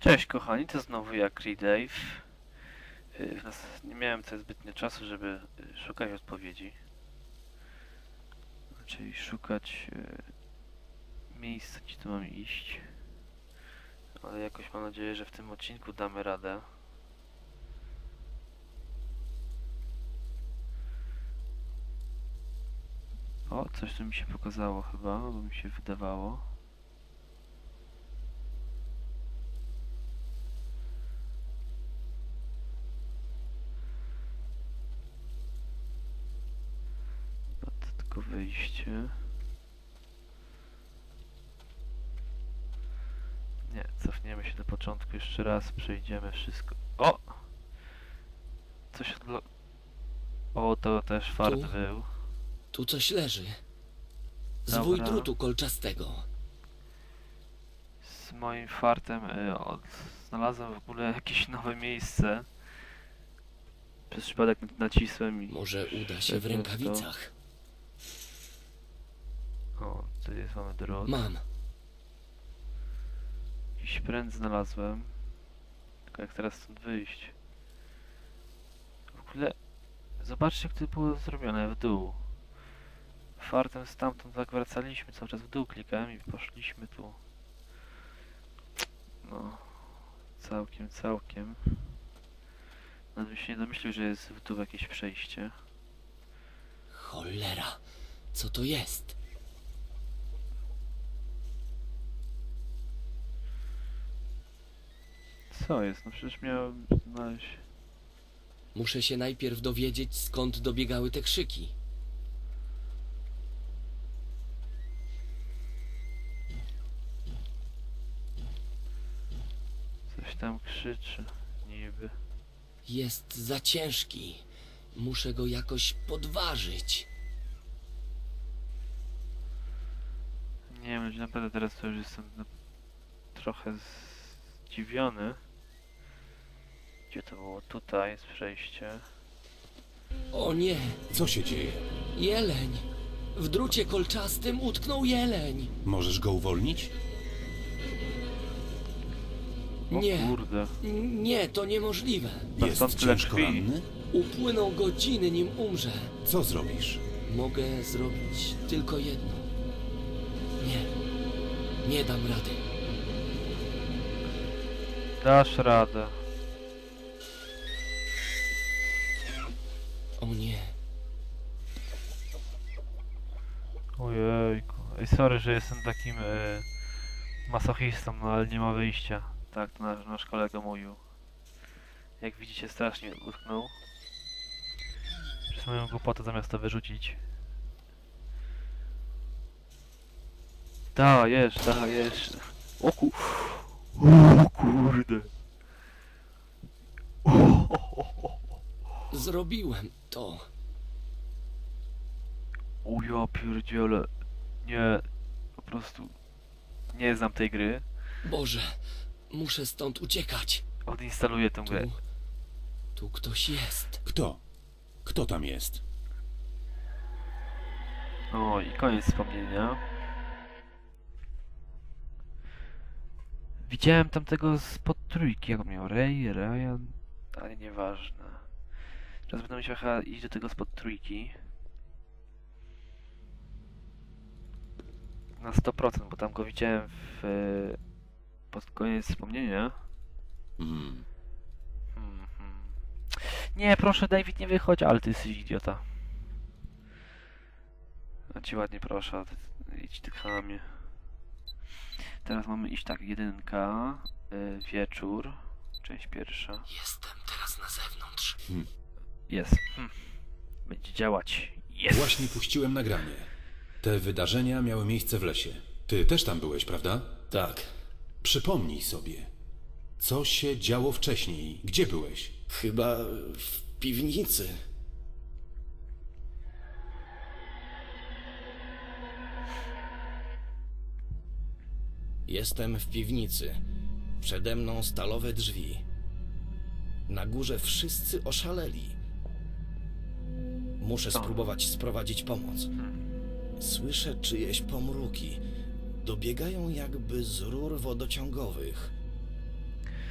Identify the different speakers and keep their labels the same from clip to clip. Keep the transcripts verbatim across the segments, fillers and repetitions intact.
Speaker 1: Cześć kochani, to znowu ja, Creedave. Yy, w nas nie miałem tutaj zbytnio czasu, żeby yy, szukać odpowiedzi. Czyli szukać yy, miejsca, gdzie tu mam iść. Ale jakoś mam nadzieję, że w tym odcinku damy radę. O, coś tu mi się pokazało chyba, bo mi się wydawało. Tylko wyjście. Nie, cofniemy się do początku jeszcze raz, przejdziemy wszystko. O! Coś odblo... O, to też fart
Speaker 2: Tu?
Speaker 1: był.
Speaker 2: Tu coś leży. Zwój
Speaker 1: Dobra.
Speaker 2: drutu kolczastego.
Speaker 1: Z moim fartem y, od... znalazłem w ogóle jakieś nowe miejsce. Przez przypadek nacisłem i...
Speaker 2: Może uda się w
Speaker 1: wszedłem
Speaker 2: rękawicach.
Speaker 1: To. O, tu jest, mamy drut.
Speaker 2: Mam.
Speaker 1: Jakiś pręt znalazłem. Tylko jak teraz stąd wyjść? W ogóle... Zobaczcie, jak to było zrobione w dół. Fartem stamtąd tak wracaliśmy, cały czas w dół klikałem i poszliśmy tu. No... Całkiem, całkiem. Nawet bym się nie domyślił, że jest w dół jakieś przejście.
Speaker 2: Cholera. Co to jest?
Speaker 1: Co jest? No przecież miałem znaleźć...
Speaker 2: Muszę się najpierw dowiedzieć, skąd dobiegały te krzyki.
Speaker 1: Coś tam krzyczy, niby.
Speaker 2: Jest za ciężki. Muszę go jakoś podważyć.
Speaker 1: Nie wiem, naprawdę teraz to już jestem no, trochę zdziwiony. Gdzie to było? Tutaj jest przejście.
Speaker 2: O nie!
Speaker 3: Co się dzieje?
Speaker 2: Jeleń! W drucie kolczastym utknął jeleń!
Speaker 3: Możesz go uwolnić?
Speaker 1: O
Speaker 2: Nie!
Speaker 1: kurde.
Speaker 2: N- Nie, to niemożliwe.
Speaker 1: To
Speaker 3: Jest
Speaker 1: stąd tyle
Speaker 3: ciężko
Speaker 1: krwi.
Speaker 3: ranny?
Speaker 2: Upłyną godziny, nim umrze.
Speaker 3: Co zrobisz?
Speaker 2: Mogę zrobić tylko jedno. Nie. Nie dam rady.
Speaker 1: Dasz radę.
Speaker 2: O nie.
Speaker 1: Ojejku. Ej, sorry, że jestem takim e, masochistą, no ale nie ma wyjścia. Tak, to nasz, nasz kolega mówił. Jak widzicie, strasznie utknął. Przez moją głupotę zamiast to wyrzucić. Dajesz, dajesz. O ku... O kurde.
Speaker 2: Zrobiłem to.
Speaker 1: O ja pierdziele. Nie, po prostu nie znam tej gry.
Speaker 2: Boże, muszę stąd uciekać.
Speaker 1: Odinstaluję tę
Speaker 2: Tu,
Speaker 1: grę.
Speaker 2: tu ktoś jest.
Speaker 3: Kto? Kto tam jest?
Speaker 1: O i koniec wspomnienia. Widziałem tamtego spod trójki, jak on miał Ray, Ryan, ale nieważne. Teraz będę musiał chyba iść do tego spod trójki. Na sto procent, bo tam go widziałem w... pod koniec wspomnienia.
Speaker 3: Hmm.
Speaker 1: Hmm, hmm. Nie, proszę David, nie wychodź, ale ty jesteś idiota. A ci ładnie proszę, ty, idź ty chamie. Teraz mamy iść tak, jedynka, y, wieczór, część pierwsza.
Speaker 2: Jestem teraz na zewnątrz.
Speaker 3: Hmm.
Speaker 1: Jest. Hm. Będzie działać. Jest.
Speaker 3: Właśnie puściłem nagranie. Te wydarzenia miały miejsce w lesie. Ty też tam byłeś, prawda?
Speaker 2: Tak.
Speaker 3: Przypomnij sobie. Co się działo wcześniej? Gdzie byłeś?
Speaker 2: Chyba w piwnicy. Jestem w piwnicy. Przede mną stalowe drzwi. Na górze wszyscy oszaleli. Muszę
Speaker 1: Co?
Speaker 2: spróbować sprowadzić pomoc. Słyszę czyjeś pomruki. Dobiegają jakby z rur wodociągowych.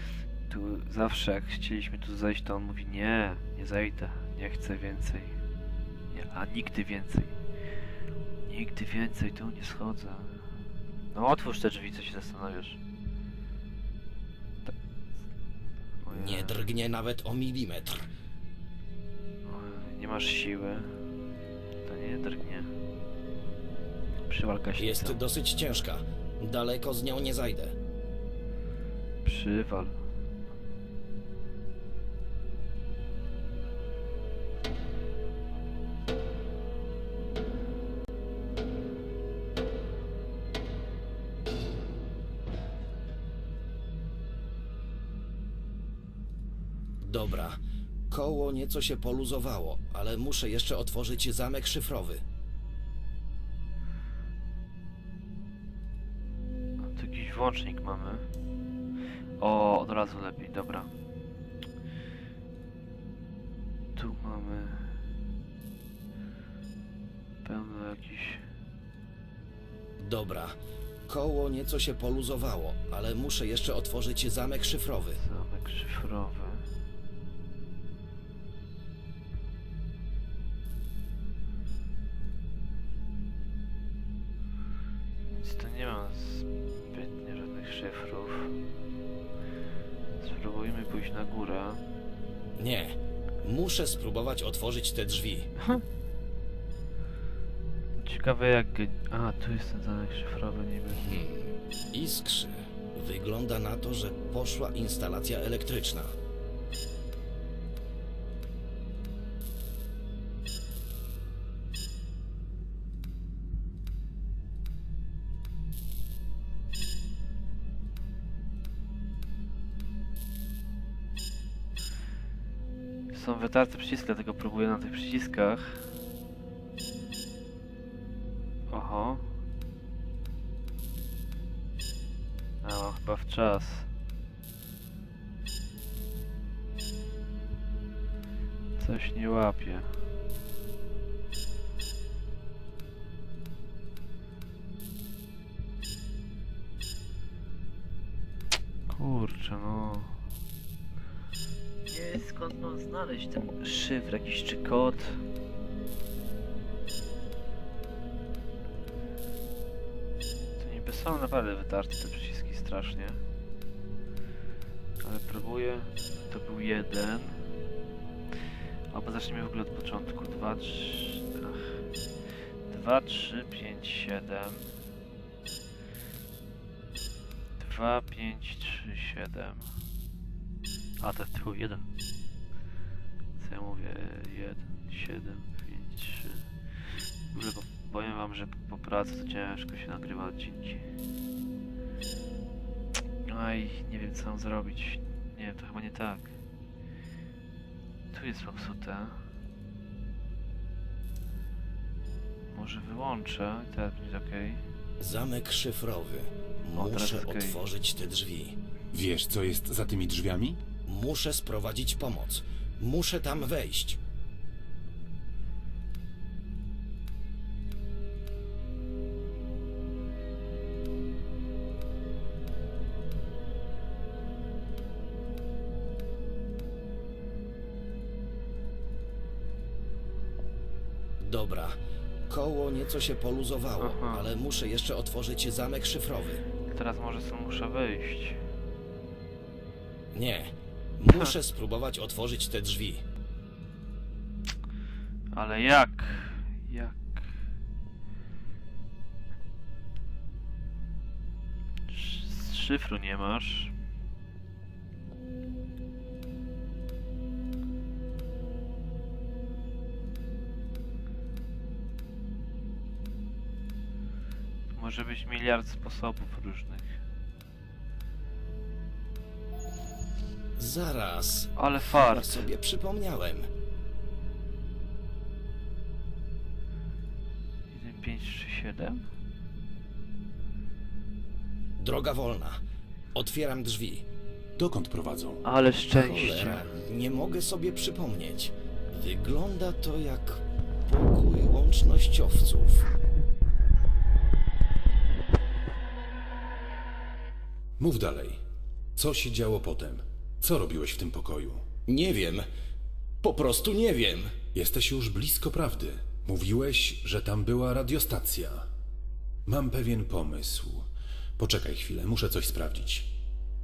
Speaker 1: Tu zawsze jak chcieliśmy tu zejść, to on mówi nie, nie zejdę, nie chcę więcej. Nie, a nigdy więcej. Nigdy więcej tu nie schodzę. No otwórz te drzwi, co się zastanawiasz. Tak. Ojej.
Speaker 2: Nie drgnie nawet o milimetr.
Speaker 1: Ojej, nie masz siły. To nie drgnie. Przywal gaśnicę.
Speaker 2: Jest dosyć ciężka. Daleko z nią nie zajdę.
Speaker 1: Przywal.
Speaker 2: Dobra. Koło nieco się poluzowało, ale muszę jeszcze otworzyć zamek szyfrowy.
Speaker 1: A tu jakiś włącznik mamy. O, od razu lepiej, dobra. Tu mamy pełno jakichś...
Speaker 2: Dobra. Koło nieco się poluzowało, ale muszę jeszcze otworzyć zamek szyfrowy.
Speaker 1: Zamek szyfrowy. Nic tu nie ma zbytnio żadnych szyfrów. Spróbujmy pójść na górę.
Speaker 2: Nie. Muszę spróbować otworzyć te drzwi.
Speaker 1: Ciekawe jak... A, tu jest ten zamek szyfrowy niby.
Speaker 2: Hmm. Iskrzy. Wygląda na to, że poszła instalacja elektryczna.
Speaker 1: Są wytarte przyciski, dlatego próbuję na tych przyciskach. Oho. A, chyba w czas. Coś nie łapie. Kurczę, no. Nie, skąd mam znaleźć ten szyfr jakiś czy kod? To niby są naprawdę wytarte te przyciski strasznie. Ale próbuję. To był jeden. Albo zacznijmy w ogóle od początku. Dwa, trzy... Ach. Dwa, trzy, pięć, siedem. Dwa, pięć, trzy, siedem. A, to tylko jeden. Co ja mówię? jeden, siedem, pięć, trzy. W ogóle po, powiem wam, że po pracy to ciężko się nagrywa odcinki. Aj, nie wiem co mam zrobić. Nie wiem, to chyba nie tak. Tu jest popsute. Może wyłączę i teraz będzie ok.
Speaker 2: Zamek szyfrowy.
Speaker 1: O, teraz
Speaker 2: Muszę
Speaker 1: jest okej.
Speaker 2: otworzyć te drzwi.
Speaker 3: Wiesz, co jest za tymi drzwiami?
Speaker 2: Muszę sprowadzić pomoc. Muszę tam wejść. Dobra. Koło nieco się poluzowało,
Speaker 1: Aha.
Speaker 2: ale muszę jeszcze otworzyć zamek szyfrowy.
Speaker 1: Teraz może stąd muszę wyjść.
Speaker 2: Nie. Muszę spróbować otworzyć te drzwi.
Speaker 1: Ale jak? Jak? Sz- Szyfru nie masz. Może być miliard sposobów różnych.
Speaker 2: Zaraz.
Speaker 1: Ale
Speaker 2: Ja
Speaker 1: fart.
Speaker 2: sobie przypomniałem.
Speaker 1: jeden, pięć, trzy, siedem.
Speaker 2: Droga wolna. Otwieram drzwi.
Speaker 3: Dokąd prowadzą?
Speaker 1: Ale szczęście.
Speaker 2: Cholera, nie mogę sobie przypomnieć. Wygląda to jak pokój łącznościowców.
Speaker 3: Mów dalej. Co się działo potem? Co robiłeś w tym pokoju?
Speaker 2: Nie wiem. Po prostu nie wiem.
Speaker 3: Jesteś już blisko prawdy. Mówiłeś, że tam była radiostacja. Mam pewien pomysł. Poczekaj chwilę, muszę coś sprawdzić.